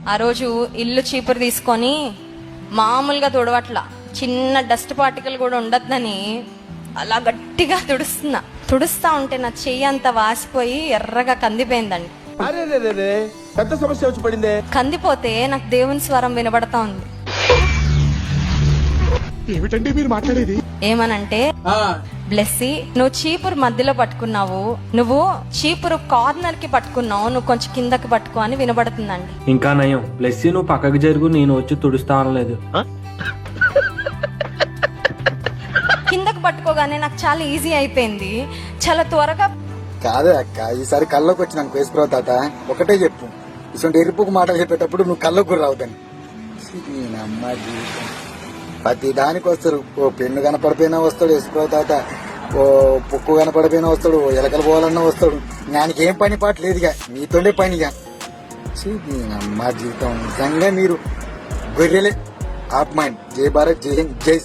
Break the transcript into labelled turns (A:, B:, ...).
A: ఆ రోజు ఇల్లు చీపురు తీసుకొని మామూలుగా తుడవట్ల, చిన్న డస్ట్ పార్టికల్ కూడా ఉండద్దని అలా గట్టిగా తుడుస్తా ఉంటే నా చెయ్యి అంతా వాసిపోయి ఎర్రగా కందిపోయిందండి.
B: పెద్ద సమస్య వచ్చి పడిందే.
A: కందిపోతే నాకు దేవుని స్వరం వినబడతా ఉంది.
B: ఏమిటండి మీరు మాట్లాడేది?
A: ఏమనంటే, బ్లెస్సీ, నువ్వు చీపురు మధ్యలో పట్టుకున్నావు, నువ్వు చీపురు కార్నర్ కి పట్టుకున్నావు, నువ్వు కొంచెం కిందకి పట్టుకో అని వినబడుతుందండి.
C: ఇంకా నయం, బ్లెస్సీ నువ్వు పక్కకి జరుగు, నేను వచ్చి తుడుస్తా అనలేదు.
A: కిందకి పట్టుకోగానే నాకు చాలా ఈజీ అయిపోయింది, చాలా త్వరగా.
D: కాదే అక్క, ఈసారి కల్లోకి వచ్చి నాకు వేసుకురావు తాత. ఒకటే చెప్పు, ఇటువంటి ఎరుపుకు మాటలు చెప్పేటప్పుడు నువ్వు కల్లోకి కూడా రావుదని. అమ్మ జీవితం ప్రతి దానికి వస్తారు. ఓ పెన్ను కనపడిపోయినా వస్తాడు వేసుకురావు తాత, ఓ పుక్కు కనపడిపోయినా వస్తాడు, ఓ ఎలకలు పోవాలన్నా వస్తాడు. దానికి ఏం పని పాట లేదుగా, మీతోనే పనిగా. అమ్మ జీవితం నిజంగా మీరు గొర్రెలే. ఆప్ మైండ్. జై భారత్, జై హింద్, జై